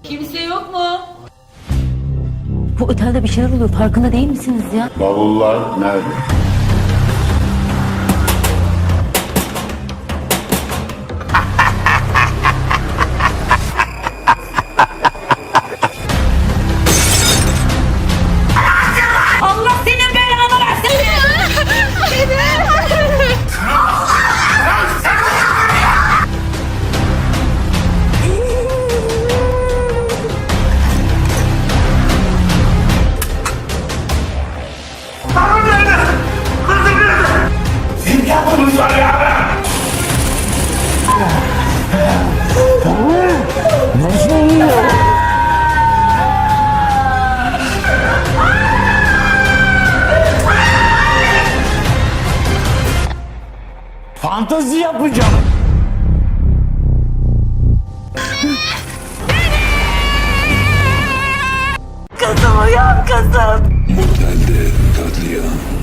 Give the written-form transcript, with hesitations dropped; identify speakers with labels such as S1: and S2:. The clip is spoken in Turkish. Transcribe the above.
S1: Kimse yok mu?
S2: Bu otelde bir şeyler oluyor. Farkında değil misiniz ya?
S3: Bavullar nerede?
S1: Allah senin belanı versin.
S4: Fantezi yapacağım.
S2: Kızım uyan kızım.
S5: Otelde katliam.